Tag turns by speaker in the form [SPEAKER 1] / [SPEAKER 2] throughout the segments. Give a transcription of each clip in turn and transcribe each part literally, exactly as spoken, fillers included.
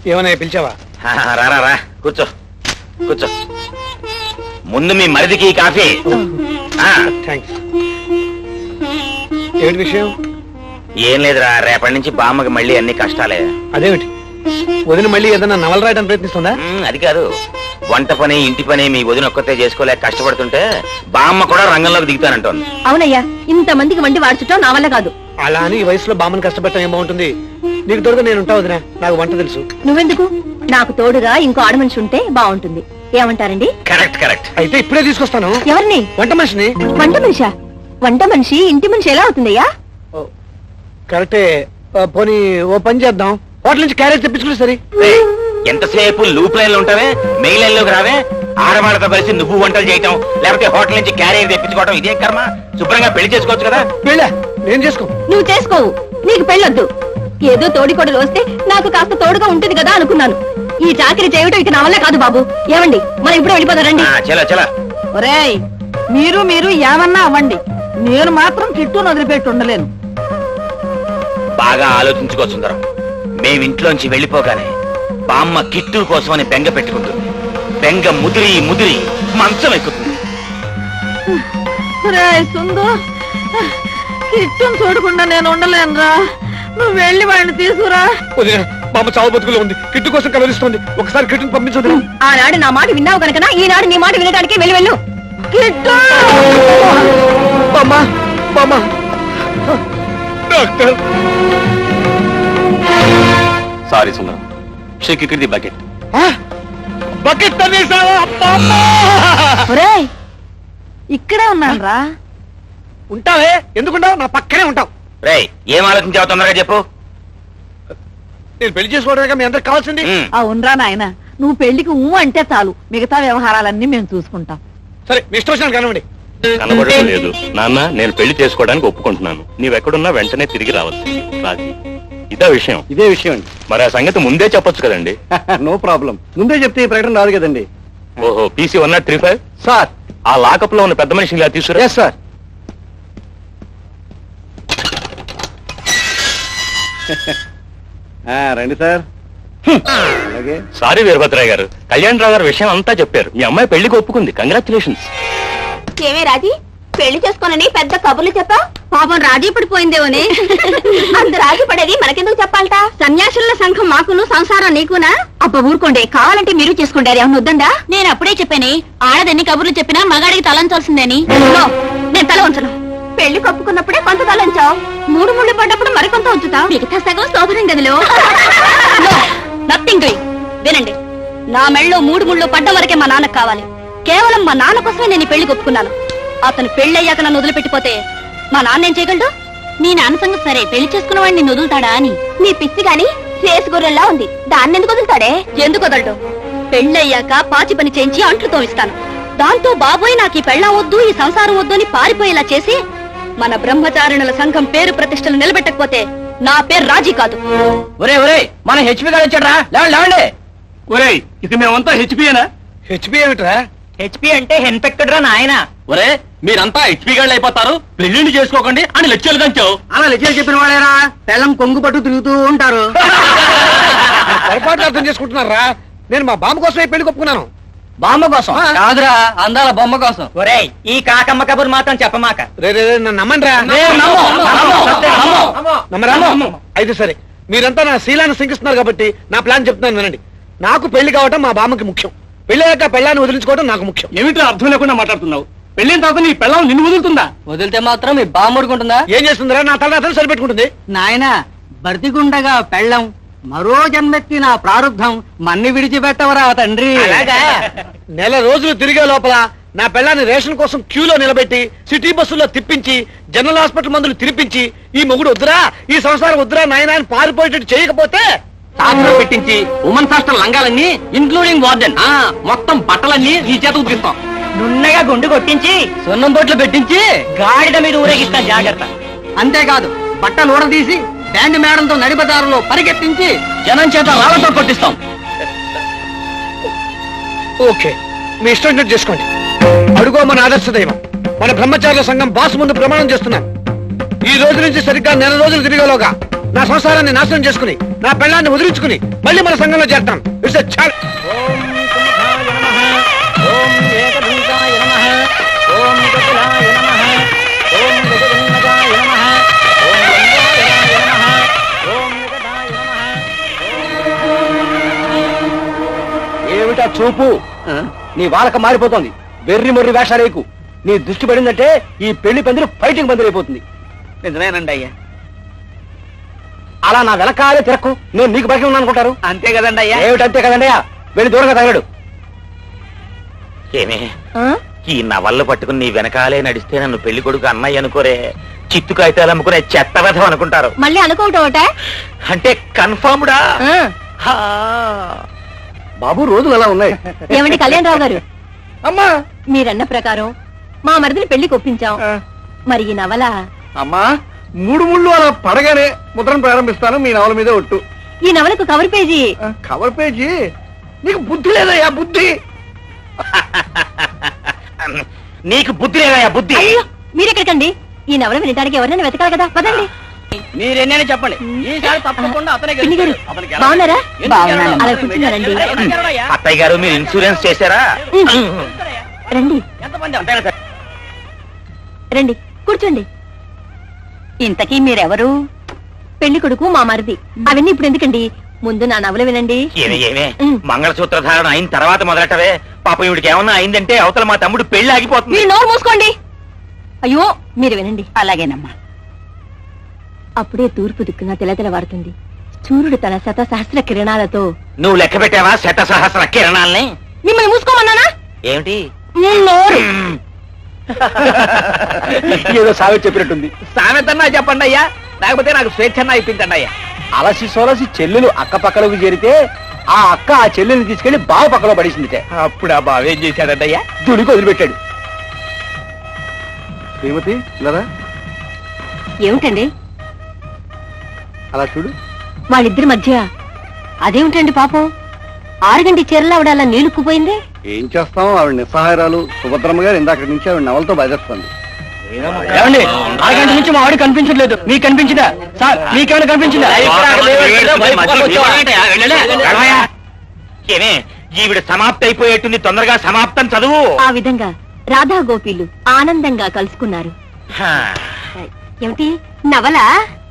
[SPEAKER 1] ఏమన్నా పిలిచావా?
[SPEAKER 2] రారా రా కూర్చో కూర్చో. ముందు మీ మరిదికి కాఫీ.
[SPEAKER 1] థ్యాంక్స్. ఏమిటి విషయం?
[SPEAKER 2] ఏం లేదురా, రేపటి నుంచి బామ్మకి మళ్ళీ అన్ని కష్టాలే.
[SPEAKER 1] అదేమిటి, వదిన మళ్ళీ ఏదన్నా నవల రాయడానికి ప్రయత్నిస్తుందా?
[SPEAKER 2] అది కాదు, వంట పని ఇంటి పని మీ వదిన ఒక్కతే చేసుకోలేక కష్టపడుతుంటే బామ్మ కూడా రంగంలోకి దిగుతానంటోంది.
[SPEAKER 3] అవునయ్యా, ఇంత మందికి వండి వాడ్చటం నా వల్ల కాదు.
[SPEAKER 1] అలా అని ఈ వయసులో బామ్మని కష్టపెట్టడం ఏం బాగుంటుంది? నీకు తోడుగా నేను ఉంటా వదినా, నాకు వంట తెలుసు.
[SPEAKER 3] నువ్వెందుకు? నాకు తోడుగా ఇంకో ఆడమనిషి ఉంటే బాగుంటుంది. ఏమంటారండి?
[SPEAKER 2] Correct correct.
[SPEAKER 1] అయితే ఇప్పుడే తీసుకొస్తాను.
[SPEAKER 3] ఎవరిని?
[SPEAKER 1] వంట మనిషిని.
[SPEAKER 3] వంట మనిషా? వంట మనిషి ఇంటి మనిషి ఎలా అవుతుందయ్యా?
[SPEAKER 1] కరెక్టే. పోనీ ఓ పని చేద్దాం, హోటల్ నుంచి క్యారేజ్ తెప్పించుకుంటే సరే.
[SPEAKER 2] ఎంతసేపు లూప్ లైన్ లో ఉంటావే, మెయిన్ లైన్ లోకి రావే. ఆడవాళ్ళతో కలిసి నువ్వు వంటలు చేయటం, లేకపోతే హోటల్ నుంచి క్యారేజ్ తెప్పించుకోవటం ఇదే కర్మ. శుభ్రంగా పెళ్లి చేసుకోవచ్చు కదా.
[SPEAKER 1] పెళ్ళా? నేను చేసుకో.
[SPEAKER 3] నువ్వు చేసుకోవు, నీకు పెళ్ళొద్దు. ఏదో తోడికొడలు వస్తే నాకు కాస్త తోడుగా ఉంటుంది కదా అనుకున్నాను. ఈ చాకరీ చేయటం ఇక నా వల్ల కాదు బాబు. ఏమండి, మనం ఇప్పుడు వెళ్ళిపోతారండి.
[SPEAKER 2] చలో చలో.
[SPEAKER 4] ఒరేయ్, మీరు మీరు ఏమన్నా అవ్వండి, నేను మాత్రం కిట్టును వదిలిపెట్టి ఉండలేను.
[SPEAKER 2] బాగా ఆలోచించుకో సుందరం. మేమింట్లోంచి వెళ్ళిపోగానే బామ్మ కిట్టు కోసమని బెంగ పెట్టుకుంటుంది. బెంగ ముదిరి ముదిరి మంచం ఎక్కుతుంది.
[SPEAKER 4] సుందు, కిట్టును చూడకుండా నేను ఉండలేనురా. నువ్వు వెళ్ళి వాడిని తీసుకురా.
[SPEAKER 1] బామ్మ చావు బతుకులో ఉంది, కిట్టు కోసం కలరిస్తోంది. ఒకసారి కిట్టును పంపించదు.
[SPEAKER 3] ఆనాడు నా మాట విన్నావు కనుక ఈనాడు నీ మాట వినడానికి వెళ్ళి వెళ్ళు.
[SPEAKER 4] కిట్టు!
[SPEAKER 1] బామ్మ, బామ్మ. డాక్టర్.
[SPEAKER 5] సారీ సుందరం, షేక్ ఇక్కడ ది బకెట్.
[SPEAKER 1] బకెట్ తనేసావా?
[SPEAKER 4] ఒరేయ్, ఇక్కడే ఉన్నాను రా.
[SPEAKER 1] ఉంటావే? ఎందుకుంటావు? నా పక్కనే ఉంటావు.
[SPEAKER 2] రేయ్, ఏం ఆలోచించావు తొందరగా చెప్పు.
[SPEAKER 1] నేను పెళ్లి చేసుకోవడానికి మీ అందరికి కావాల్సింది.
[SPEAKER 4] అవునరా నాయన, నువ్వు పెళ్లికి ఊ అంటే చాలు, మిగతా వ్యవహారాలన్నీ మేము చూసుకుంటాం.
[SPEAKER 1] సరే, మీ ఇష్టం వచ్చిన కనవండి.
[SPEAKER 5] కనబడటం లేదు నాన్న, నేను పెళ్లి చేసుకోవడానికి ఒప్పుకుంటున్నాను. నీవెక్కడున్నా వెంటనే తిరిగి రావచ్చు. రాజీ, ఇదే విషయం.
[SPEAKER 6] ఇదే విషయం అండి.
[SPEAKER 5] మరి ఆ సంగతి ముందే చెప్పొచ్చు కదండి.
[SPEAKER 6] నో ప్రాబ్లం, ముందే చెప్తే ఈ ప్రకటన రాదు కదండి.
[SPEAKER 5] ఓహో, PC one not three five.
[SPEAKER 6] Sir,
[SPEAKER 5] ఆ లాకప్ లో ఉన్న పెద్ద మనిషిని ఇలా తీసుకురా.
[SPEAKER 6] Yes sir. రండి సార్. అలాగే.
[SPEAKER 5] సారీ వీరభద్రయ్య గారు, కళ్యాణ్ రావు గారు విషయం అంతా చెప్పారు. మీ అమ్మాయి పెళ్లికి ఒప్పుకుంది. కంగ్రాచులేషన్స్.
[SPEAKER 3] ఏమే రాజీ, పెళ్లి చేసుకోనని పెద్ద కబుర్లు చెప్పా? పాపం రాజీ పడిపోయిందేమోనే. అంత రాజీ పడేది మనకెందుకు చెప్పాలట? సన్యాసుల సంఘం మాకును, సంసారం నీకునా? అబ్బ ఊరుకోండి, కావాలంటే మీరు చేసుకుంటారు. ఏమన్నా వద్దండా? నేను అప్పుడే చెప్పాను, ఆడదన్ని కబుర్లు చెప్పినా మగాడికి తలంచాల్సిందేని. నేను తల ఉంచను. పెళ్లి కప్పుకున్నప్పుడే కొంత తలంచావు, మూడు ముళ్ళు పడ్డప్పుడు మరికొంత ఉంచుతావు. మిగతా సగం శోభనం గదిలో. Nothing doing. వినండి, నా మెళ్ళో మూడు ముళ్ళు పడ్డ వరకే మా నాన్నకు కావాలి. కేవలం మా నాన్న కోసమే నేను ఈ పెళ్లి ఒప్పుకున్నాను. అతను పెళ్ళయ్యాక నన్ను వదిలిపెట్టిపోతే మా నాన్న ఏం చేయగలడు? నీ నాన్న సంగతి సరే, పెళ్లి చేసుకున్న వాడిని నిన్ను వదులుతాడా అని. నీ పిచ్చి గాని రేసు గొర్రెల్లా ఉంది, దాన్ని ఎందుకు వదులుతాడే? ఎందుకు వదలడు? పెళ్ళయ్యాక పాచి పని చేయించి అంట్లు తోమిస్తాను. దాంతో బాబోయ్ నాకు ఈ పెళ్ళం వద్దు, ఈ సంసారం వద్దు అని పారిపోయేలా చేసి మన బ్రహ్మచారిణుల సంఘం పేరు ప్రతిష్టలు నిలబెట్టకపోతే నా పేరు రాజీ కాదు.
[SPEAKER 6] ఒరే ఒరే, మన హెచ్పి గారు వచ్చాడ్రా, లేవండి లేవండి.
[SPEAKER 5] ఒరే, ఇక మేమంతా హెచ్పియేనా?
[SPEAKER 1] హెచ్పి ఏమిట్రా?
[SPEAKER 6] హెచ్పి అంటే ఇన్ఫెక్టెడ్ రా నాయన. ఒరే, మీరంతా హెచ్పి గాళ్ళు అయిపోతారు, పెళ్లిండి చేసుకోకండి అని లెక్చర్లు కంచావు. అలా లెక్చర్లు చెప్పిన వాళ్ళేరా పెళ్ళం కొంగు పట్టు తిరుగుతూ ఉంటారు.
[SPEAKER 1] పొరపాటు అర్థం చేసుకుంటున్నారా? నేను మా బామ్మ కోసమే పెళ్లి ఒప్పుకున్నాను.
[SPEAKER 6] బామ్మ కోసం కాదురా, అందాల బొమ్మ కోసం. ఒరే, ఈ కాకమ్మ కబురు మాత్రం చెప్పమాక.
[SPEAKER 1] రే రే నన్ను నమ్మండి రా. నమ్మరా? అయితే సరే, మీరంతా నా శీలాన్ని శంకిస్తున్నారు కాబట్టి నా ప్లాన్ చెప్తున్నాను వినండి. నాకు పెళ్లి కావటం మా బామ్మకి ముఖ్యం. పెళ్ళయ్యాక పెళ్ళాన్ని వదిలించుకోవడం నాకు ముఖ్యం.
[SPEAKER 5] ఏమిటో అర్థం లేకుండా మాట్లాడుతున్నావు. పెళ్ళిన తర్వాత నీ పెళ్ళం నిన్ను వదులుతుందా?
[SPEAKER 6] వదిలితే మాత్రం మీ బామ్మ ఊరుకుంటుందా?
[SPEAKER 1] ఏం చేస్తుందిరా? నా తల అతను సరిపెట్టుకుంటుంది.
[SPEAKER 4] నాయన, బతికుండగా పెళ్ళం, మరో జన్మెత్తి నా ప్రారంధం మన్ని విడిచిపెట్టవరా తండ్రి.
[SPEAKER 1] నెల రోజులు తిరిగే లోపల నా పెళ్ళాన్ని రేషన్ కోసం క్యూలో నిలబెట్టి సిటీ బస్సుల్లో తిప్పించి జనరల్ హాస్పిటల్ మందులు తినిపించి ఈ మొగుడు వద్దురా, ఈ సంసారం వద్దురా నాయన అని పారిపోయేటట్టు చేయకపోతే
[SPEAKER 6] సాక్షులు పెట్టించి ఉమెన్స్ హాస్టల్ లంగాలన్నీ ఇంక్లూడింగ్ వార్డెన్ మొత్తం బట్టలన్నీ ఈ చేత ఉతికిస్తాం. నున్నగా గుండు కొట్టించి సున్నం బొట్లు పెట్టించి గాడిద మీద ఊరేగిస్తాం. జాగ్రత్త. అంతేకాదు, బట్టలు ఊడదీసి బ్యాండ్ మేడంతో నడిపదారులో పరిగెత్తించి జనం చేత రాళ్లతో కొట్టిస్తాం.
[SPEAKER 1] ఓకే, మీ ఇష్టం వచ్చినట్టు చేసుకోండి. అడుగో మన ఆదర్శ దైవం, మన బ్రహ్మచారుల సంఘం బాస్ ముందు ప్రమాణం చేస్తున్నాను. ఈ రోజు నుంచి సరిగ్గా నెల రోజులు తిరిగేలోగా నా సంసారాన్ని నాశనం చేసుకుని నా పెళ్ళాన్ని వదిలించుకుని మళ్ళీ మన సంఘంలో చేరతాను. ఇట్స్ చాలు.
[SPEAKER 6] ఓం సుముఖాయ నమః ఓం ఏకదంతాయ నమః ఓం కపిలాయ నమః ఓం గజగణనాయ నమః ఓం లంబోదరాయ నమః ఓం నిగదాయ నమః. ఏమిటా చూపు? నీ వాలక మారిపోతోంది. వెర్రి మొర్రి వేషాలేకు. నీ దృష్టి పడిందంటే ఈ పెళ్లి పందిరి ఫైటింగ్ పందిరి అయిపోతుంది. నిజమేనండి అయ్యా. అలా నా వెనకాలే తిరక్కు. నేను నీకు బయట ఉన్నాను అనుకుంటారు. అంతే కదండి అయ్యా. ఏమిటంతే కదండి అయ్యా. వెళ్ళి దూరంగా తగలడు.
[SPEAKER 2] ఏమే ఈ నవళ్ళు పట్టుకుని నీ వెనకాలే నడిస్తే నన్ను పెళ్లి కొడుకు అన్నయ్య అనుకోరే, చిత్తు కాగితాలు అమ్ముకునే చెత్త వ్యధం అనుకుంటారు.
[SPEAKER 3] మళ్ళీ అనుకోవటం ఒకటే.
[SPEAKER 2] అంటే కన్ఫర్మ్డా? హా.
[SPEAKER 6] బాబు రోజులు అలా ఉన్నాయి.
[SPEAKER 3] ఏమండి కళ్యాణరావు గారు,
[SPEAKER 6] అమ్మా
[SPEAKER 3] మీరన్న ప్రకారం మా మరిదిని పెళ్లికి ఒప్పించాం. మరి ఈ నవల
[SPEAKER 6] అమ్మా మూడు ముళ్ళు అలా పడగానే ముద్రను ప్రారంభిస్తాను. మీ నవల మీద ఒట్టు.
[SPEAKER 3] ఈ నవలకు కవర్ పేజీ
[SPEAKER 6] కవర్ పేజీ. నీకు బుద్ధి లేదయ్యా బుద్ధి.
[SPEAKER 2] నీకు బుద్ధి లేదయ్యా బుద్ధి.
[SPEAKER 3] అయ్యో మీరెక్కడికండి? ఈ నవల వినడానికి ఎవరైనా వెతకాలి కదా, పదండి.
[SPEAKER 6] మీరెన్నైనా చెప్పండి. ఈసారి తప్పకుండా అతనే
[SPEAKER 3] పిన్ని గారు,
[SPEAKER 6] గెలుస్తాడు. అతనికి ఎలా-
[SPEAKER 3] బాగున్నారా?
[SPEAKER 6] ఎందుకు
[SPEAKER 3] బాగున్నాను.
[SPEAKER 6] గెలవడు?
[SPEAKER 3] అలా కూర్చున్నారండి.
[SPEAKER 6] ఎందుకు గెలవడయ్యా?
[SPEAKER 2] అత్తయ్య గారు మీరు ఇన్సూరెన్స్ చేశారా?
[SPEAKER 3] రండి
[SPEAKER 6] ఎంతమంది అంతేనా సార్?
[SPEAKER 3] రండి కూర్చోండి. ఇంతకీ మీరెవరు? పెళ్లి కొడుకు మా మరిది. అవన్నీ ఇప్పుడు ఎందుకండి, ముందు నా నవల వినండి.
[SPEAKER 2] ఏమే ఏమే
[SPEAKER 3] ఉమ్.
[SPEAKER 2] మంగళసూత్ర ధారణ అయిన తర్వాత మొదలెట్టవే. పాపం ఇవిడికి ఏమన్నా అయిందంటే అవతల మా తమ్ముడు పెళ్లి ఆగిపోతుంది.
[SPEAKER 3] మీరు నోరు మూసుకోండి. అయ్యో మీరు వినండి. అలాగేనమ్మా. అప్పుడే తూర్పు దిక్కున తెలతెలవారుతుంది. సూర్యుడు తన శత సహస్ర కిరణాలతో.
[SPEAKER 2] నువ్వు లెక్క పెట్టావా శత సహస్ర కిరణాల్ని?
[SPEAKER 3] మిమ్మల్ని మూసుకోమన్నానా?
[SPEAKER 2] ఏమిటి?
[SPEAKER 3] నోరు.
[SPEAKER 6] ఏదో సామెత చెప్పినట్టుంది. సామెతన్నా చెప్పండి అయ్యా, లేకపోతే నాకు స్వేచ్ఛన్నా ఇప్పించండి అయ్యా. అలసి సోలసి చెల్లెలు అక్క పక్కలోకి చేరితే ఆ అక్క ఆ చెల్లెల్ని తీసుకెళ్లి బావ పక్కలో పడేసిందిటే. అప్పుడు ఆ బావ ఏం చేశాడంటయ్యా? దుడికి వదిలిపెట్టాడు. శ్రీమతి లేదా
[SPEAKER 3] ఏమిటండి
[SPEAKER 6] అలా చూడు.
[SPEAKER 3] వాళ్ళిద్దరి మధ్య అదేమిటండి పాపం? ఆరుగంటి చీరలు ఆవిడ అలా నీలుక్కుపోయింది.
[SPEAKER 6] ఏం చేస్తాం, ఆవిడ నిస్సహాయరాలు. సుభద్రమ్మ గారు ఇందాక నుంచి ఆవిడ నవలతో బయలుస్తుంది. ఏమండి ఆరుగంట నుంచి మా ఆవిడ కనిపించట్లేదు. మీకు కనిపించిందా సార్? మీకేమైనా కనిపించిందా?
[SPEAKER 2] గడవయ్యా. ఏమే ఈవిడ సమాప్తి అయిపోయేట్టుంది, తొందరగా సమాప్తం చదువు.
[SPEAKER 3] ఆ విధంగా రాధా గోపీలు ఆనందంగా కలుసుకున్నారు.
[SPEAKER 2] హా.
[SPEAKER 3] ఏమిటి నవల?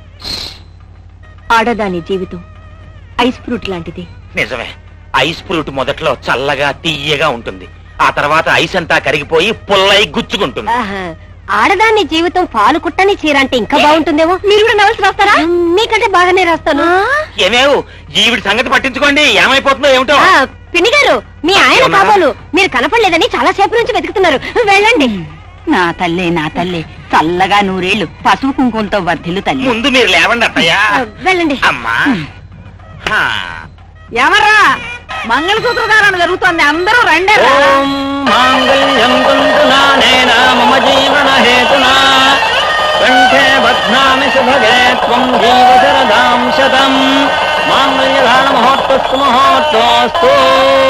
[SPEAKER 3] ఆడదాని జీవితం ఐస్ ఫ్రూట్ లాంటిది.
[SPEAKER 2] నిజమే, ఐస్ ఫ్రూట్ మొదట్లో చల్లగా తీయగా ఉంటుంది. ఆ తర్వాత ఐస్ అంతా కరిగిపోయి పుల్లై గుచ్చుకుంటుంది.
[SPEAKER 3] ఆహా, ఆడదాని జీవితం పాలు కుట్టని చీర అంటే ఇంకా బాగుంటుందేమో. మీరు కూడా నవల్స్ రాస్తారా? మీకంటే బాగానే రాస్తాను.
[SPEAKER 2] ఏమేవు ఈవిడ సంగతి పట్టించుకోండి, ఏమైపోతుందో ఏమిటో.
[SPEAKER 3] ఆ, పిన్ని గారు, మీ ఆయన కాబోలు మీరు కనపడలేదని చాలా సేపు నుంచి వెతుకుతున్నారు. వెళ్ళండి.
[SPEAKER 7] నా తల్లి నా తల్లి చల్లగా నూరేళ్లు పసుపు కుంకుమలతో వర్ధిల్లు తల్లి.
[SPEAKER 2] ముందు మీరు లేవండి అత్తయ్య.
[SPEAKER 3] ఆ, వెళ్ళండి.
[SPEAKER 2] అమ్మా. హా.
[SPEAKER 7] ఎవర్రా మంగళసూత్ర ధారణ జరుగుతోంది, అందరూ రండి.
[SPEAKER 6] ఓం మాంగళ్యం కుంతునా నేన మమ జీవన హేతునా కంఠే బధ్నామి శుభగే త్వం జీవ శరదాం శతం. మాంగళ్యధారణ మహోత్సవ మహోత్సవస్తు.